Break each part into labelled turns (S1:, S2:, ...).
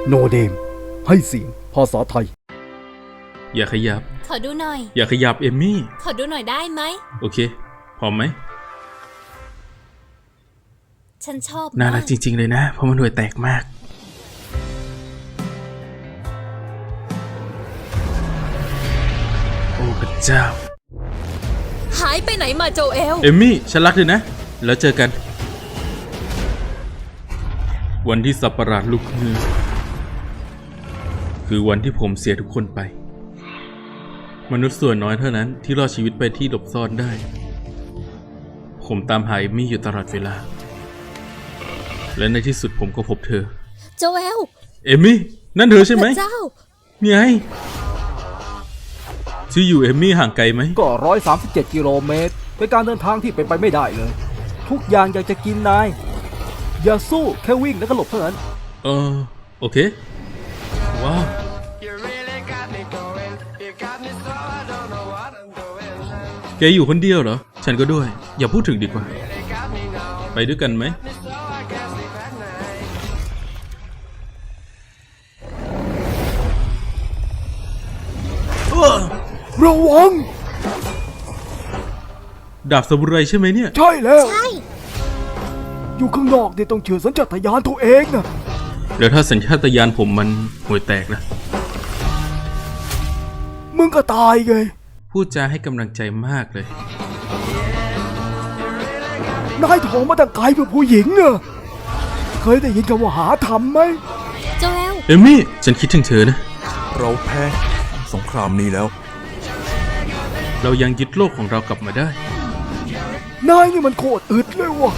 S1: โนเนมให้เสียงภาษาไทย
S2: อย่าขยับ
S3: ขอดูหน่อย
S2: อย่าขยับเอมมี่
S3: ขอดูหน่อยได้ไหม
S2: โอเคพร้อมไหม
S3: ฉันชอบ
S2: น่ารักจริงๆเลยนะเพราะมันห่วยแตกมากโอ้พระเจ้า
S3: หายไปไหนมาโจเอล
S2: เอมมี่ฉันรักเธอนะแล้วเจอกันวันที่สัตว์ประหลาดลุกฮือคือวันที่ผมเสียทุกคนไปมนุษย์ส่วนน้อยเท่านั้นที่รอดชีวิตไปที่หลบซ่อนได้ผมตามหาเอมมี่อยู่ตลอดเวลาและในที่สุดผมก็พบเธอ
S3: โจเอล
S2: เอมมี่นั่นเธอใช่ไหม
S3: เจ้า
S2: ไงที่อยู่เอมมี่ห่างไกลไหม
S1: ก็137 กิโลเมตรเป็นการเดินทางที่เป็นไปไม่ได้เลยทุกอย่างอยากจะกินนายอย่าสู้แค่วิ่งแล้วก็หลบเท่านั้น
S2: โอเคว้าวแกอยู่คนเดียวเหรอฉันก็ด้วยอย่าพูดถึงดีกว่าไปด้วยกันไหม
S1: ระวัง
S2: ดาบซามูไรใช่ไหมเนี่ย
S1: ใช่แล้ว
S3: ใช่
S1: อยู่ข้างนอกเนี่ยต้องเชื่อสัญชาตญาณตัวเองนะ
S2: แล้วถ้าสัญชาตญาณผมมันห่วยแตกนะ
S1: มึงก็ตายไง
S2: พูดจาให้กำลังใจมากเลย
S1: นายถอมาตั้งไกลเพื่อผู้หญิงเนอะเคยได้ยินคำว่าหาทำไหม
S3: โจเอล
S2: เอมมี่ฉันคิดถึงเธอนะ
S4: เราแพ้สงครามนี้แล้ว
S2: เรายังยึดโลกของเรากลับมาได้
S1: นายนี่มันโคตรอึดเลยว่ะ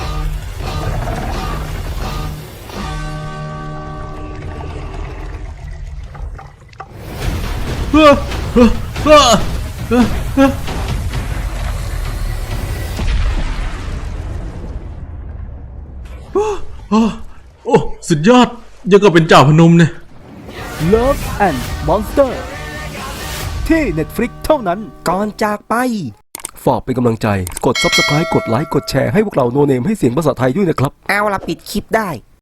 S2: โอ้สุดยอดยังกับเป็นเจ้าพนมเนี่ย
S1: Love and Monster ที่ Netflix เท่านั้น
S5: ก่อนจากไป
S1: ฝากเป็นกำลังใจกด Subscribe กดไลค์กดแชร์ให้พวกเราโนเนมให้เสียงภาษาไทยด้วยนะครับ
S5: เอาละปิดคลิปได้